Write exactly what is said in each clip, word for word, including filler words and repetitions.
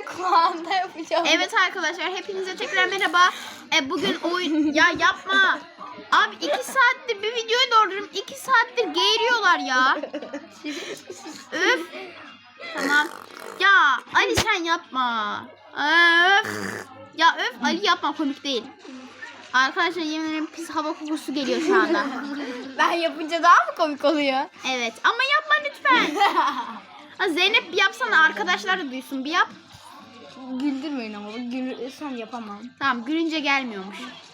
kulağında yapacağım. Evet arkadaşlar hepinize tekrar merhaba. E, bugün oyun... Ya yapma. Abi iki saattir bir videoyu dolduruyorum. iki saattir geğiriyorlar ya. Öf. Tamam. Ya Ali sen yapma. Öf. Ya öf Ali yapma, komik değil. Arkadaşlar yemin ederim pis hava kokusu geliyor şu anda. Ben yapınca daha mı komik oluyor? Evet ama yapma lütfen. Ha, Zeynep bir yapsana, arkadaşlar da duysun, bir yap. Güldürmeyin ama gülürsem yapamam. Tamam, gülünce gelmiyormuş.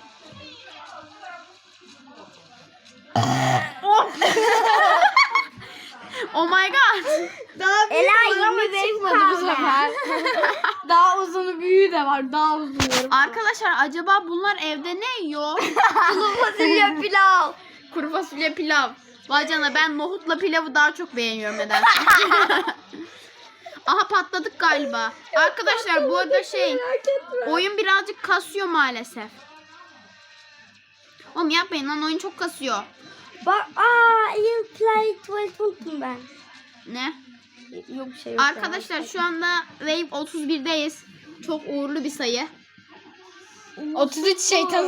Oh my god. Daha büyük Ela var ama yirmi beş çıkmadı bu kaldı. sefer. Daha uzunu büyüğü de var. Daha uzun. Arkadaşlar acaba bunlar evde ne yiyor? Kuru fasulye pilav. Kuru fasulye pilav. Vay canına, ben nohutla pilavı daha çok beğeniyorum nedense. Aha patladık galiba. Arkadaşlar bu arada şey, oyun birazcık kasıyor maalesef. Oğlum yapmayın lan, oyun çok kasıyor. Bak, aa, you play twelve unuttum ben. Ne? Yok bir şey yok. Arkadaşlar şu anda Wave otuz birdeyiz. Çok uğurlu bir sayı. otuz üç şeytan.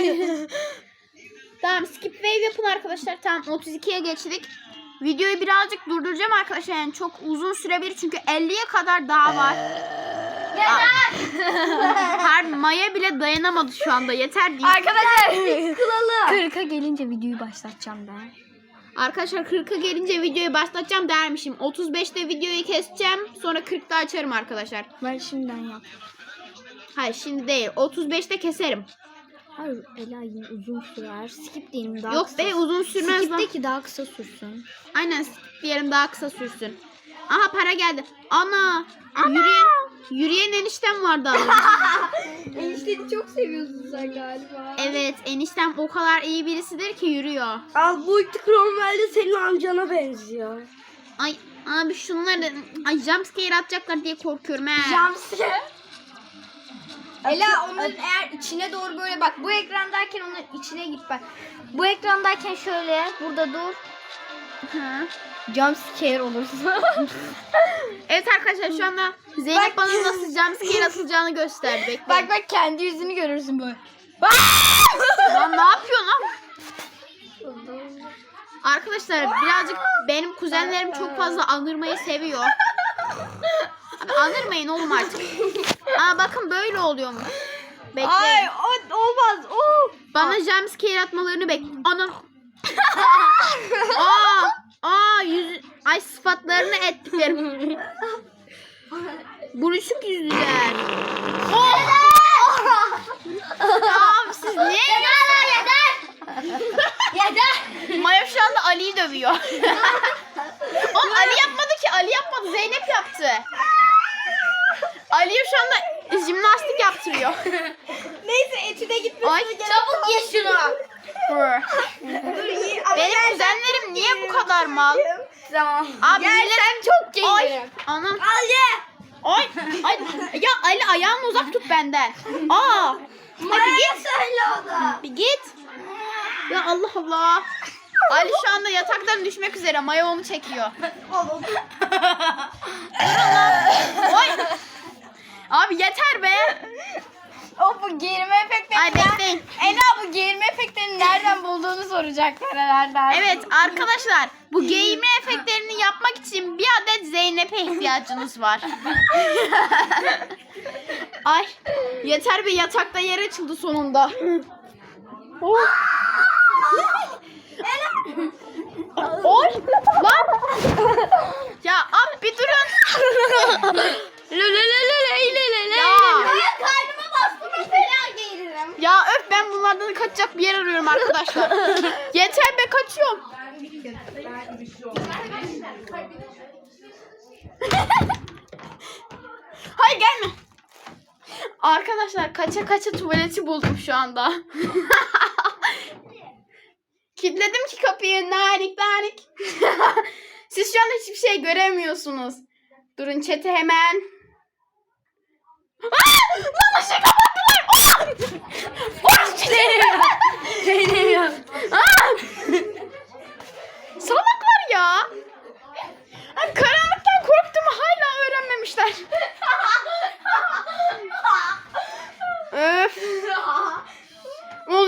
Tamam, skip wave yapın arkadaşlar. Tamam, otuz ikiye geçtik. Videoyu birazcık durduracağım arkadaşlar. Yani çok uzun sürebilir çünkü elliye kadar daha var. Her Maya bile dayanamadı şu anda. Yeter diye. Arkadaşlar Kılalı. kırka gelince videoyu başlatacağım ben. Arkadaşlar kırka gelince videoyu başlatacağım dermişim. otuz beşte videoyu keseceğim. Sonra kırkta açarım arkadaşlar. Ben şimdiden yap. Hayır şimdi değil. otuz beşte keserim. Hayır, Ela yine uzun sürer. Skip diyelim daha Yok kısa. be, uzun sürmez lan. Skip'teki daha kısa sürsün. Aynen, skip diyelim, daha kısa sürsün. Aha para geldi. Ana. Yürüyen, yürüyen eniştem vardı az önce. Enişteni çok seviyorsun sen galiba. Evet, eniştem o kadar iyi birisidir ki yürüyor. Al, bu iki Cromwell'de senin amcana benziyor. Ay abi şunları, ay jumpscare atacaklar diye korkuyorum he. Jumpscare. Ela onların eğer içine doğru böyle bak, bu ekrandayken onların içine git bak. Bu ekrandayken şöyle burada dur. Hı. Jumpscare olursun. Evet arkadaşlar şu anda Zeynep bana nasıl jumpscare atılacağını gösterdi. Bekleyin. Bak bak kendi yüzünü görürsün böyle. Lan ne yapıyorsun lan? Arkadaşlar birazcık benim kuzenlerim çok fazla anırmayı seviyor. Abi anırmayın oğlum artık. Aa bakın böyle oluyormuş. Bekleyin. Ay o, olmaz. Oo. Bana jumpscare atmalarını bek. Ana. Aa, aa yüz, ay sıfatlarını ettiklerim. Buruşuk yüzlüler. Oh! Abi siz ne? Yeter. Maya şu anda Ali'yi dövüyor. Oğlum Ali yapmadı ki, Ali yapmadı, Zeynep yaptı. Ali'ye şu anda jimnastik yaptırıyor. Neyse etüde gitmesin. Ay Çabuk ye şunu. Benim kuzenlerim niye bu kadar mal? Tamam. Abi Gel millet- sen çok Ay gelirim. anam. Al ye. Ay, ay ya Ali ayağını uzak tut benden. Aa. Hadi git. Söyle o da. Bir git. Ya Allah Allah. Ali şu anda yataktan düşmek üzere. Maya onu çekiyor. Oy. Abi yeter be. O bu geğirme efektini. Ay bekleyin. Ela bu geğirme efektini nereden bulduğunu soracaklar herhalde. Evet arkadaşlar, bu giyme efektlerini yapmak için bir adet Zeynep'e ihtiyacınız var. Ay yeter be, yatakta yer açıldı sonunda. Oh. Oy lan. Ya abi bir durun. Ya. Karnıma bastım fena geğiririm. Ya öf, ben bunlardan kaçacak bir yer arıyorum arkadaşlar. Yeter be, kaçıyorum. Hayır gelme. Arkadaşlar kaça kaça tuvaleti buldum şu anda. Kilitledim ki kapıyı, narik narik. Siz şu anda hiçbir şey göremiyorsunuz. Durun chat'e hemen. Aa! Lan ışığı kapattılar. Oh! Benim. Aa! Salaklar ya. Abi karanlıktan korktuğumu hala öğrenmemişler.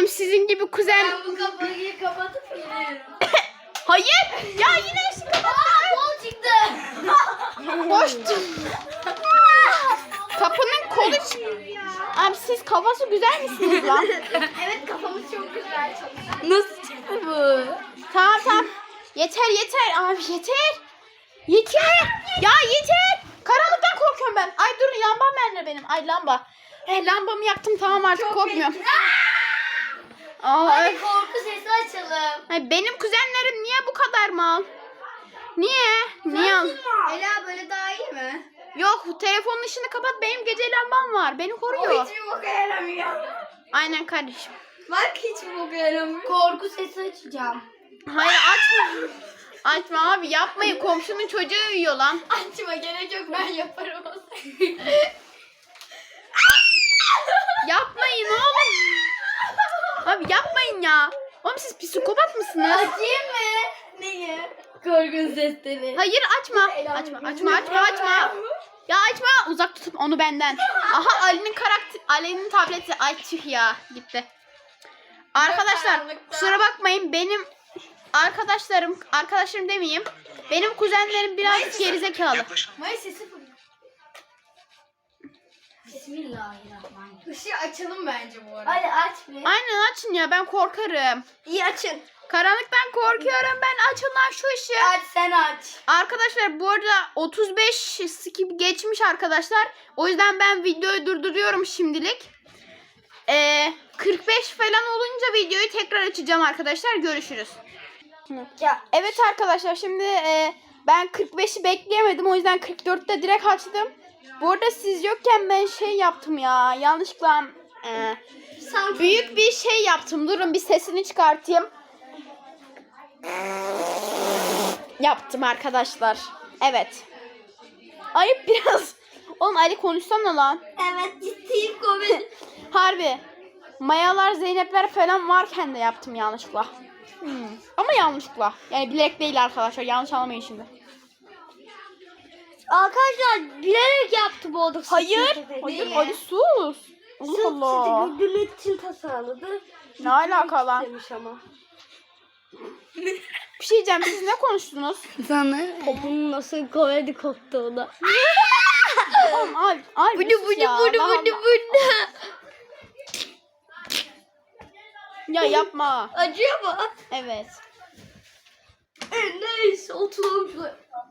Oğlum sizin gibi kuzen... Ben bu kapıyı kapatıp gidiyorum. Hayır. Ya yine eşi kapattın. Kol çıktı. Boştu. Kapının kolu çıktı. Abi siz kafası güzel misiniz lan? Evet, kafamız çok güzel. Nasıl çıktı bu? Tamam tamam. Yeter yeter abi yeter. Yeter. Ya yeter. Karanlıktan korkuyorum ben. Ay durun lambam nerede benim? Ay lamba. Eh lambamı yaktım tamam artık korkmuyorum. Aa, Hadi öf. korku sesi açalım. Ay, benim kuzenlerim niye bu kadar mal? Niye? Niye? Ela, böyle daha iyi mi? Yok telefonun ışığını kapat benim gece lambam var. Beni koruyor. Hiç mi boka yaramıyor? Aynen kardeşim. Bak, hiç mi boka yaramıyor? Korku sesi açacağım. Hayır açma. Açma abi yapmayın komşunun çocuğu uyuyor lan. Açma, gerek yok, ben yaparım o Yapmayın oğlum. Abi yapmayın ya. Oğlum siz psikopat mısınız? Açayım mı? Neyi? Korku sesleri. Hayır açma. Açma açma açma açma. Ya açma uzak tutun onu benden. Aha Ali'nin karakter Ali'nin tableti ay tüh ya gitti. Arkadaşlar kusura bakmayın benim arkadaşlarım arkadaşlarım demeyeyim. Benim kuzenlerim biraz gerizekalı. Mayıs sesi fırlıyor. Bismillahirrahmanirrahim. Işığı açalım bence bu arada. Hadi aç bir. Aynen açın ya ben korkarım. İyi, açın. Karanlıktan korkuyorum ben açın lan şu ışığı. Aç, sen aç. Arkadaşlar bu arada otuz beş skip geçmiş arkadaşlar. O yüzden ben videoyu durduruyorum şimdilik. Ee, kırk beş falan olunca videoyu tekrar açacağım arkadaşlar. Görüşürüz. Ya, Evet arkadaşlar şimdi e, ben kırk beşi bekleyemedim. O yüzden kırk dörtte direkt açtım. Bu arada siz yokken ben şey yaptım ya. Yanlışlıkla e, sanki büyük bir şey yaptım. Durun bir sesini çıkartayım. Yaptım arkadaşlar. Evet. Ayıp biraz. Oğlum Ali konuşsana lan. evet, ciddiyim, komedi. Harbi. Mayalar, Zeynepler falan varken de yaptım yanlışlıkla. Hmm. Ama yanlışlıkla. Yani bilerek değil arkadaşlar. Yanlış anlamayın şimdi. Arkadaşlar, bilerek yaptı bu arada. Hayır. Hayır Ali sus. Allah Allah. Güldürmek için tasarladı. Ne alaka lan? Demiş ama. Bir şey diyeceğim. Siz ne konuştunuz? Sana topun nasıl komedi koptuğunu. Oğlum abi. Abi Budu budu budu budu budu. Ya yapma. Acıyor mu? Evet. E, neyse, oturalım şuraya.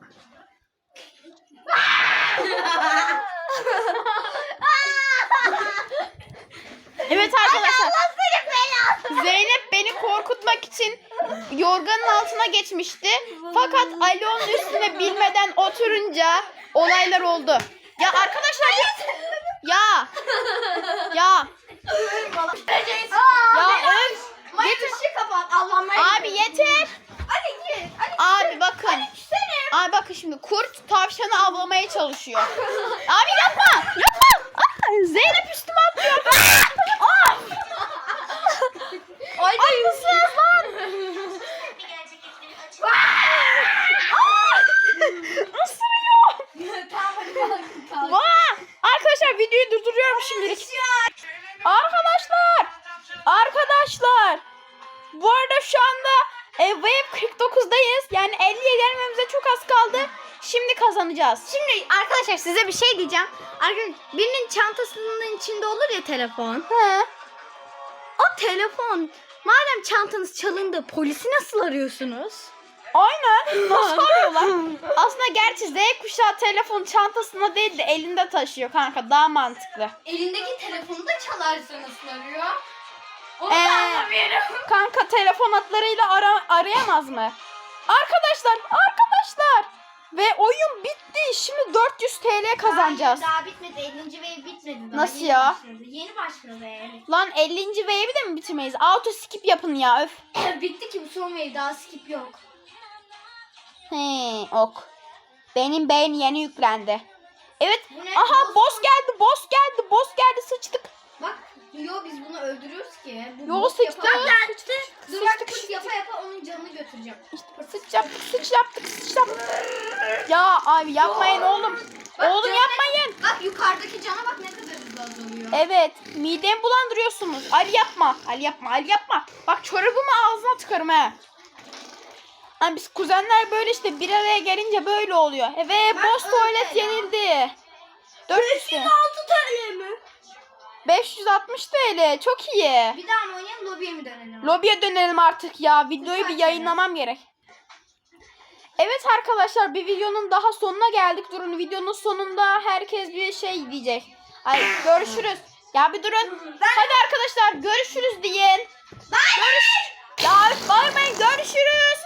Evet arkadaşlar. Zeynep beni korkutmak için yorganın altına geçmişti. Fakat Ali onun üstüne bilmeden oturunca olaylar oldu. Ya arkadaşlar ya ya ya öf. Mayıs ışığı kapat. Allah'ım. Abi yeter. Hadi git. Hadi. Abi bakın. Abi bakın şimdi kurt tavşanı avlamaya çalışıyor. Abi yapma. Yapma. Aa, Zeynep üstüme atlıyor. Aa! Ay, Ay mısınız lan? Isırıyor. Tamam, hadi kalk, kalk. Vaa! Arkadaşlar videoyu durduruyorum şimdilik. Arkadaşlar. Arkadaşlar. Bu arada şu anda e, Wave kırk dokuzdayız. Yani elliye gelmemize çok az kaldı. Şimdi kazanacağız. Şimdi arkadaşlar size bir şey diyeceğim. Arkadaşlar birinin çantasının içinde olur ya telefon. He. O telefon madem çantanız çalındı polisi nasıl arıyorsunuz? Aynen. Nasıl arıyorlar? Aslında gerçi Z kuşağı telefon çantasında değil de elinde taşıyor kanka. Daha mantıklı. Elindeki telefonu da çalarsa nasıl arıyor? Onu Ee, da anlamıyorum. Kanka telefon hatlarıyla ara arayamaz mı? Arkadaşlar, arkadaşlar. Ve oyun bitti. Şimdi dört yüz TL kazanacağız. Hayır, daha bitmedi. ellinci wave bitmedi. Daha Nasıl yeni ya? Başladı. Yeni başladı wave. Lan ellinci wave'i de mi bitirmeyiz? Auto skip yapın ya öf. Bitti ki bu son wave, daha skip yok. He, ok. Benim beyin yeni yüklendi. Evet. Bu ne? Aha Boss boss geldi, boss geldi, boss geldi sıçtık. Bak, yo biz bunu öldürüyoruz ki. Bu Yo boss sıçtık. yapar- Sıçtık. Dur bak, pıt yapa yapa onun canını götüreceğim. Sıç yaptık, sıç yaptık, sıç yaptık. Ya abi yapmayın oğlum. Bak, Oğlum canına- yapmayın. Bak yukarıdaki cana bak ne kadar hızlı azalıyor. Evet, midemi bulandırıyorsunuz. Ali yapma, Ali yapma, Ali yapma. Bak çorabımı ağzına tıkarım he. Hani biz kuzenler böyle işte bir araya gelince böyle oluyor. Evet, boş tuvalet yenildi. dört yüz altı T L mi? beş yüz altmış TL, çok iyi. Bir daha mı oynayalım, lobiye mi dönelim? Lobiye dönelim artık ya. Videoyu bir yayınlamam gerek. Evet arkadaşlar, bir videonun daha sonuna geldik. Durun, videonun sonunda herkes bir şey diyecek. Ay görüşürüz. Ya bir durun. Hadi arkadaşlar görüşürüz deyin. Görüş. Ya bağırmayın, görüşürüz.